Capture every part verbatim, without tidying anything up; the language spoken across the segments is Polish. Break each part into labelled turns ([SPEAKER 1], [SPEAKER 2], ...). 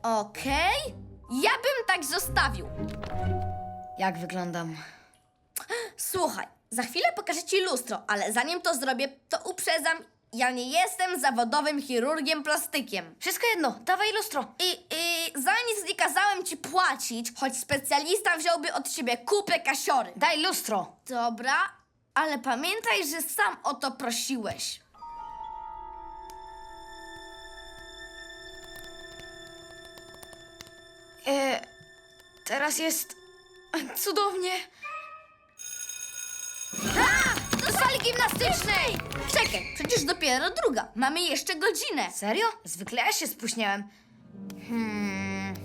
[SPEAKER 1] Okej, ja bym tak zostawił.
[SPEAKER 2] Jak wyglądam?
[SPEAKER 1] Słuchaj, za chwilę pokażę ci lustro, ale zanim to zrobię, to uprzedzam, ja nie jestem zawodowym chirurgiem plastykiem.
[SPEAKER 2] Wszystko jedno, dawaj lustro.
[SPEAKER 1] I, i za nic nie kazałem ci płacić, choć specjalista wziąłby od ciebie kupę kasiory.
[SPEAKER 2] Daj lustro.
[SPEAKER 1] Dobra, ale pamiętaj, że sam o to prosiłeś.
[SPEAKER 2] E, teraz jest cudownie.
[SPEAKER 1] Do sali gimnastycznej! Czekaj, przecież dopiero druga. Mamy jeszcze godzinę.
[SPEAKER 2] Serio? Zwykle ja się spóźniałem. Hmm.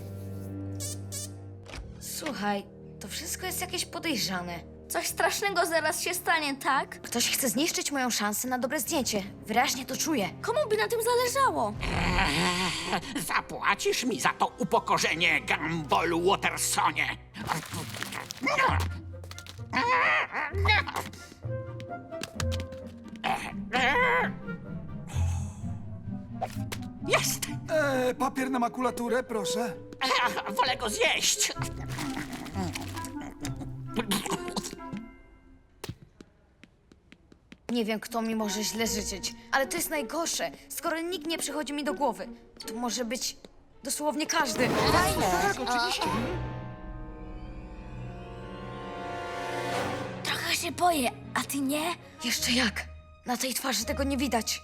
[SPEAKER 2] Słuchaj, to wszystko jest jakieś podejrzane.
[SPEAKER 1] Coś strasznego zaraz się stanie, tak?
[SPEAKER 2] Ktoś chce zniszczyć moją szansę na dobre zdjęcie. Wyraźnie to czuję.
[SPEAKER 1] Komu by na tym zależało?
[SPEAKER 3] Eee, zapłacisz mi za to upokorzenie, Gumball Watersonie. Jest!
[SPEAKER 4] E, papier na makulaturę, proszę.
[SPEAKER 3] Eee, wolę go zjeść.
[SPEAKER 2] Nie wiem, kto mi może źle życzyć, ale to jest najgorsze, skoro nikt nie przychodzi mi do głowy. To może być dosłownie każdy.
[SPEAKER 4] Tak, oczywiście.
[SPEAKER 1] Trochę się boję, a ty nie?
[SPEAKER 2] Jeszcze jak? Na tej twarzy tego nie widać.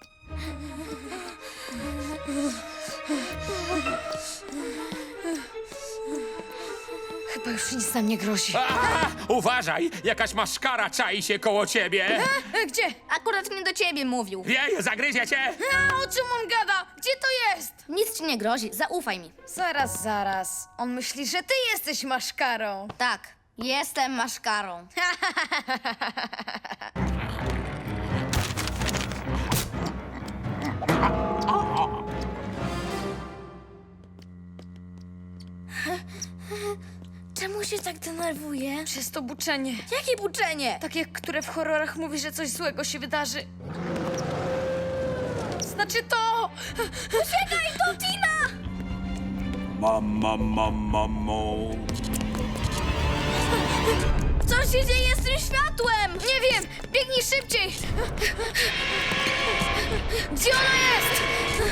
[SPEAKER 2] Chyba już nic nam nie grozi.
[SPEAKER 5] A, uważaj, jakaś maszkara czai się koło ciebie.
[SPEAKER 2] E, gdzie?
[SPEAKER 1] Akurat nie do ciebie mówił.
[SPEAKER 5] Jej, zagryzie cię.
[SPEAKER 2] A, o czym on gada? Gdzie to jest?
[SPEAKER 1] Nic ci nie grozi, zaufaj mi.
[SPEAKER 2] Zaraz, zaraz. On myśli, że ty jesteś maszkarą.
[SPEAKER 1] Tak, jestem maszkarą. Czemu się tak denerwuje?
[SPEAKER 2] Przez to buczenie.
[SPEAKER 1] Jakie buczenie?
[SPEAKER 2] Takie, które w horrorach mówi, że coś złego się wydarzy. Znaczy to!
[SPEAKER 1] Uciekaj, to Tina!
[SPEAKER 4] Mam, mam, mam, mamo.
[SPEAKER 1] Co się dzieje z tym światłem?
[SPEAKER 2] Nie wiem! Biegnij szybciej! Gdzie ona jest?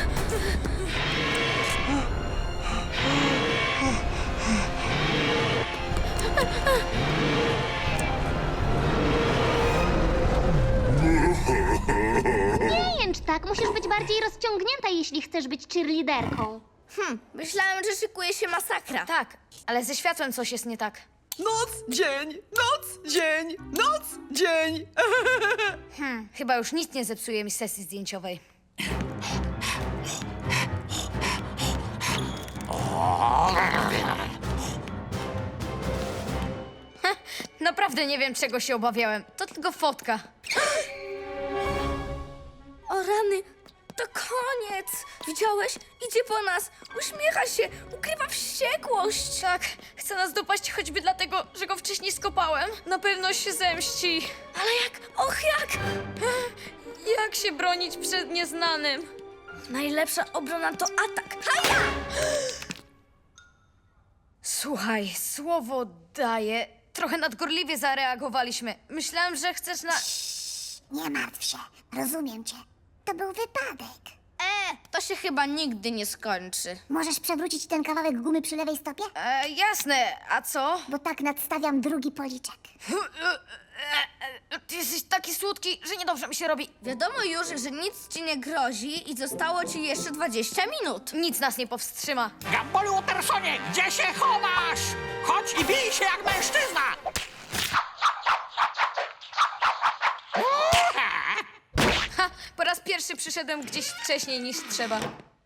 [SPEAKER 6] Nie jęcz tak, musisz być bardziej rozciągnięta, jeśli chcesz być cheerleaderką.
[SPEAKER 1] Hm, myślałem, że szykuje się masakra.
[SPEAKER 2] Tak, ale ze światłem coś jest nie tak.
[SPEAKER 7] Noc, dzień, noc, dzień, noc, dzień.
[SPEAKER 2] Hmm, chyba już nic nie zepsuje mi sesji zdjęciowej. Heh, naprawdę nie wiem, czego się obawiałem. To tylko fotka.
[SPEAKER 1] O rany, to koniec. Widziałeś? Idzie po nas. Uśmiecha się, ukrywa wściekłość.
[SPEAKER 2] Tak, chce nas dopaść choćby dlatego, że go wcześniej skopałem. Na pewno się zemści.
[SPEAKER 1] Ale jak? Och jak?
[SPEAKER 2] Jak się bronić przed nieznanym?
[SPEAKER 1] Najlepsza obrona to atak. Haja!
[SPEAKER 2] Słuchaj, słowo daję. Trochę nadgorliwie zareagowaliśmy. Myślałem, że chcesz na...
[SPEAKER 8] Nie martw się, rozumiem cię. To był wypadek.
[SPEAKER 1] E, to się chyba nigdy nie skończy.
[SPEAKER 8] Możesz przewrócić ten kawałek gumy przy lewej stopie?
[SPEAKER 2] E, jasne, a co?
[SPEAKER 8] Bo tak nadstawiam drugi policzek.
[SPEAKER 2] Ty jesteś taki słodki, że niedobrze mi się robi.
[SPEAKER 1] Wiadomo już, że nic ci nie grozi i zostało ci jeszcze dwadzieścia minut.
[SPEAKER 2] Nic nas nie powstrzyma.
[SPEAKER 3] Gumball Watersonie, gdzie się chowasz? Chodź i bij się jak mężczyzna.
[SPEAKER 2] Ha, po raz pierwszy przyszedłem gdzieś wcześniej niż trzeba.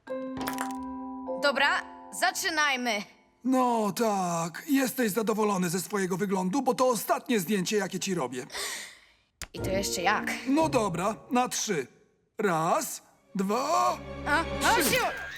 [SPEAKER 2] Dobra, zaczynajmy.
[SPEAKER 4] No tak, jesteś zadowolony ze swojego wyglądu, bo to ostatnie zdjęcie, jakie ci robię.
[SPEAKER 2] I to jeszcze jak?
[SPEAKER 4] No dobra, na trzy. Raz, dwa,
[SPEAKER 2] A, a, siu!